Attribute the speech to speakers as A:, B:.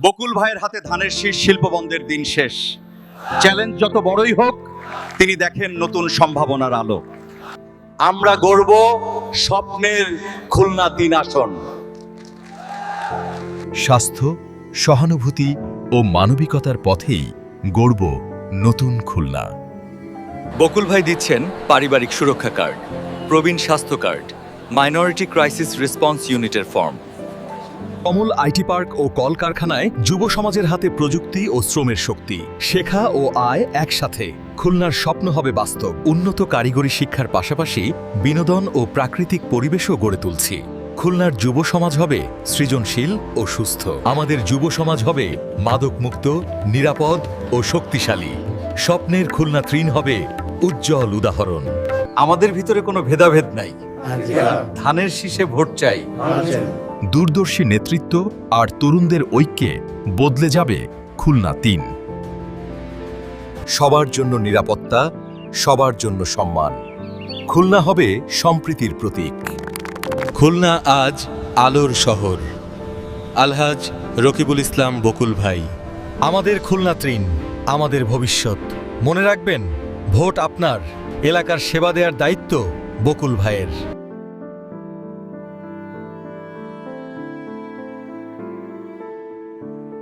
A: বকুল ভাইয়ের হাতে ধানের শীষ শিল্পবন্ধের দিন শেষ। চ্যালেঞ্জ যত বড়ই হোক, তিনি দেখেন নতুন সম্ভাবনার আলো।
B: আমরা গড়ব স্বপ্নের খুলনা ৩ আসন।
C: স্বাস্থ্য, সহানুভূতি ও মানবিকতার পথেই গড়ব নতুন খুলনা।
D: বকুল ভাই দিচ্ছেন পারিবারিক সুরক্ষা কার্ড, প্রবীণ স্বাস্থ্য কার্ড, মাইনরিটি ক্রাইসিস রেসপন্স ইউনিটের ফর্ম।
C: কমল আইটি পার্ক ও কলকারখানায় যুব সমাজের হাতে প্রযুক্তি ও শ্রমের শক্তি। শেখা ও আয় একসাথে। খুলনার স্বপ্ন হবে বাস্তব। উন্নত কারিগরি শিক্ষার পাশাপাশি বিনোদন ও প্রাকৃতিক পরিবেশও গড়ে তুলছি। খুলনার যুব সমাজ হবে সৃজনশীল ও সুস্থ। আমাদের যুব সমাজ হবে মাদকমুক্ত, নিরাপদ ও শক্তিশালী। স্বপ্নের খুলনা ৩ হবে উজ্জ্বল উদাহরণ।
D: আমাদের ভিতরে কোনো ভেদাভেদ নাই, ধানের শীষে ভোট চাই।
C: দূরদর্শী নেতৃত্ব আর তরুণদের ঐক্যে বদলে যাবে খুলনা ৩। সবার জন্য নিরাপত্তা, সবার জন্য সম্মান। খুলনা হবে সম্প্রীতির প্রতীক।
E: খুলনা আজ আলোর শহর। আলহাজ রকিবুল ইসলাম বকুল ভাই।
C: আমাদের খুলনা ৩, আমাদের ভবিষ্যৎ। মনে রাখবেন, ভোট আপনার, এলাকার সেবা দেওয়ার দায়িত্ব বকুল ভাইয়ের।